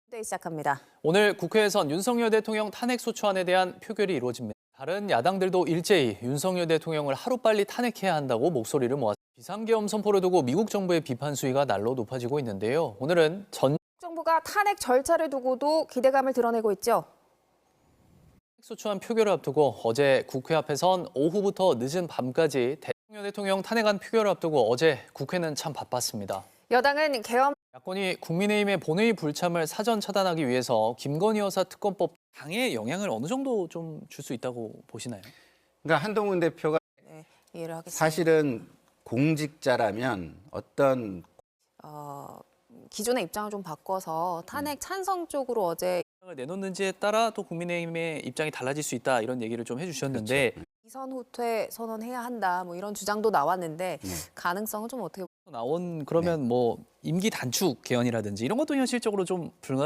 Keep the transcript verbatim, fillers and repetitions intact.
네, 시작합니다. 오늘 국회에선 윤석열 대통령 탄핵소추안에 대한 표결이 이루어집니다. 다른 야당들도 일제히 윤석열 대통령을 하루빨리 탄핵해야 한다고 목소리를 모았습니다. 비상계엄 선포를 두고 미국 정부의 비판 수위가 날로 높아지고 있는데요. 오늘은 전 정부가 탄핵 절차를 두고도 기대감을 드러내고 있죠. 탄핵소추안 표결을 앞두고 어제 국회 앞에선 오후부터 늦은 밤까지 대통령 대통령 탄핵안 표결을 앞두고 어제 국회는 참 바빴습니다. 여당은 계엄 야권이 국민의힘의 본회의 불참을 사전 차단하기 위해서 김건희 여사 특검법 당에 영향을 어느 정도 좀 줄 수 있다고 보시나요? 그러니까 한동훈 대표가 네, 이해를 하겠습니다. 사실은 공직자라면 어떤 어, 기존의 입장을 좀 바꿔서 탄핵 찬성 쪽으로 어제 입장을 내놓는지에 따라 또 국민의힘의 입장이 달라질 수 있다 이런 얘기를 좀 해주셨는데 이선 후퇴 선언해야 한다 뭐 이런 주장도 나왔는데 네. 가능성은 좀 어떻게 나온 그러면 뭐 임기 단축 개헌이라든지 이런 것도 현실적으로 좀 불가